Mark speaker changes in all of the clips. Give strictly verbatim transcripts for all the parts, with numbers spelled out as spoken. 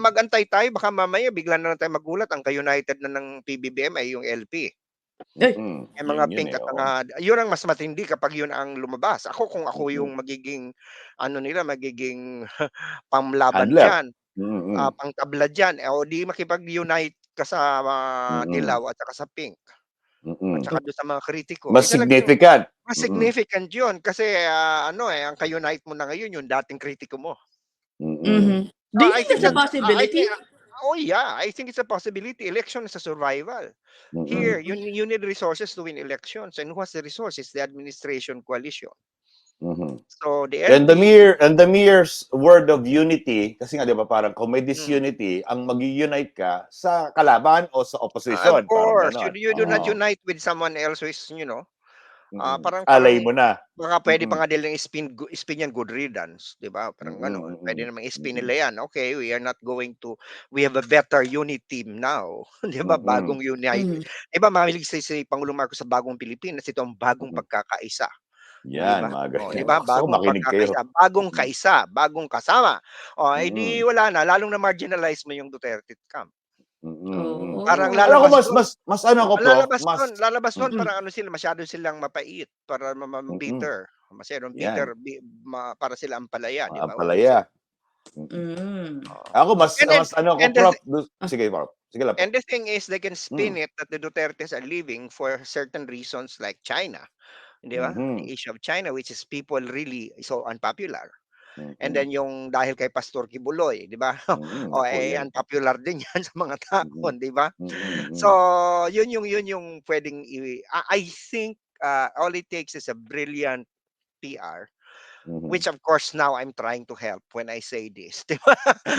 Speaker 1: mag-antay tayo baka mamaya bigla na lang tayong magulat ang ka-united na ng P B B M ay yung L P.
Speaker 2: Ay.
Speaker 3: Mm,
Speaker 1: Yung
Speaker 3: yun
Speaker 1: mga
Speaker 3: yun,
Speaker 1: pink
Speaker 3: eh,
Speaker 1: at
Speaker 3: oo.
Speaker 1: mga yun ang mas matindi kapag yun ang lumabas. Ako kung ako
Speaker 3: Mm.
Speaker 1: yung magiging ano nila, magiging pamlaban
Speaker 3: Handler.
Speaker 1: diyan, ah,
Speaker 3: Mm.
Speaker 1: pangtabla diyan, eh, o di makipag-unite ka sa
Speaker 3: Mm.
Speaker 1: dilaw at saka sa pink. At
Speaker 3: Mm.
Speaker 1: saka dun sa mga kritiko, eh,
Speaker 3: Mas
Speaker 1: talagang
Speaker 3: significant.
Speaker 1: mas
Speaker 3: Mm.
Speaker 1: significant yun kasi, ah, ano, eh, ang ka-unite mo na ngayon yung dating kritiko mo.
Speaker 3: Mm.
Speaker 2: Mhm. Do
Speaker 1: So,
Speaker 2: you
Speaker 1: I
Speaker 2: think
Speaker 1: think
Speaker 2: that's a
Speaker 1: that I think
Speaker 2: possibility?
Speaker 1: oh, yeah, I think it's a possibility. Election is a survival. Here,
Speaker 3: Mm.
Speaker 1: you you need resources to win elections and who has the resources? The administration coalition.
Speaker 3: Mhm.
Speaker 1: So, the
Speaker 3: And the
Speaker 1: L P
Speaker 3: mere and the mere word of unity, kasi nga 'di ba parang kung may
Speaker 1: Mm.
Speaker 3: disunity ang mag-u-unite ka sa kalaban o sa
Speaker 1: Of
Speaker 3: opposition, parang
Speaker 1: course, you
Speaker 3: gano'n,
Speaker 1: you do not
Speaker 3: oo.
Speaker 1: unite with someone else who is, you know, ah,
Speaker 3: Mm,
Speaker 1: parang
Speaker 3: alay
Speaker 1: parang
Speaker 3: mo na.
Speaker 1: baka puwede pa
Speaker 3: Mm.
Speaker 1: nga nilang i-spin i-spin yan good riddance, 'di ba? Parang gano'n.
Speaker 3: Mm,
Speaker 1: Puwede
Speaker 3: mm,
Speaker 1: namang i-spin
Speaker 3: mm.
Speaker 1: nila yan, "Okey, we are not going to we have a better unit team now." 'Di ba,
Speaker 3: Mm.
Speaker 1: bagong unite.
Speaker 2: Mhm.
Speaker 1: 'Di ba mahilig si si Pangulong Marcos sa bagong Pilipinas, ito ang bagong
Speaker 3: Mm.
Speaker 1: pagkakaisa, 'di
Speaker 3: Yan,
Speaker 1: ba?
Speaker 3: mga
Speaker 1: Oh, 'di
Speaker 3: ganyan.
Speaker 1: ba,
Speaker 3: Gusto ko
Speaker 1: bagong
Speaker 3: makinig kayo.
Speaker 1: pagkakaisa, bagong
Speaker 3: Mm.
Speaker 1: kaisa, bagong kasama. Oh, eh, di
Speaker 3: Mm.
Speaker 1: wala na, lalong na-marginalize mo yung Duterte camp.
Speaker 3: Mm, mm.
Speaker 1: Parang
Speaker 2: Oo.
Speaker 3: Alam ko
Speaker 1: lalabas
Speaker 3: mas
Speaker 1: dun
Speaker 3: mas mas ano ako,
Speaker 1: ang
Speaker 3: Prof,
Speaker 1: lalabas
Speaker 3: mas
Speaker 1: dun lalabas dun
Speaker 3: mm.
Speaker 2: Hmm.
Speaker 1: parang ano sila, masyado silang mapait, para ma ma
Speaker 3: Mm.
Speaker 1: bitter, masyadong bitter,
Speaker 3: Yan.
Speaker 1: bi ma para sila ampalaya, 'di
Speaker 3: Mga
Speaker 1: ba? Umusog.
Speaker 3: ampalaya. Mm.
Speaker 2: Hmm.
Speaker 1: Oo.
Speaker 3: Ako mas
Speaker 1: And then
Speaker 3: mas ano ako,
Speaker 1: and the
Speaker 3: Prof, dun
Speaker 2: Ah.
Speaker 3: sige, Prof. Sige lang
Speaker 1: and
Speaker 3: po.
Speaker 1: the thing is they can
Speaker 3: Hmm.
Speaker 1: spin it that the Dutertes are leaving for certain reasons like China, 'di ba? The
Speaker 3: Mhm.
Speaker 1: issue of China which is people really so unpopular. And
Speaker 3: Mm.
Speaker 1: then yung dahil kay Pastor Kibuloy, 'di ba?
Speaker 3: Mm,
Speaker 1: Oh,
Speaker 3: naku
Speaker 1: eh,
Speaker 3: yan.
Speaker 1: unpopular din yan sa mga tao,
Speaker 3: Mm.
Speaker 1: 'di ba?
Speaker 3: Mm,
Speaker 1: So,
Speaker 3: mm.
Speaker 1: yun yung yun yung puwedeng i ah, I think, ah, all it takes is a brilliant P-R,
Speaker 3: Mhm.
Speaker 1: which of course now I'm trying to help when I say this, 'di ba?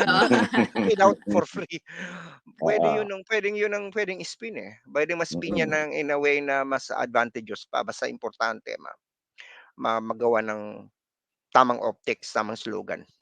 Speaker 1: Without for free. Puwede yun
Speaker 3: Oo.
Speaker 1: ang puwedeng yun ang puwedeng i-spin, eh. Puwedeng ma-spin yan
Speaker 3: Mm.
Speaker 1: ng in a way na mas advantageous pa basta importante ma ma magawa ng tamang optics, tamang slogan.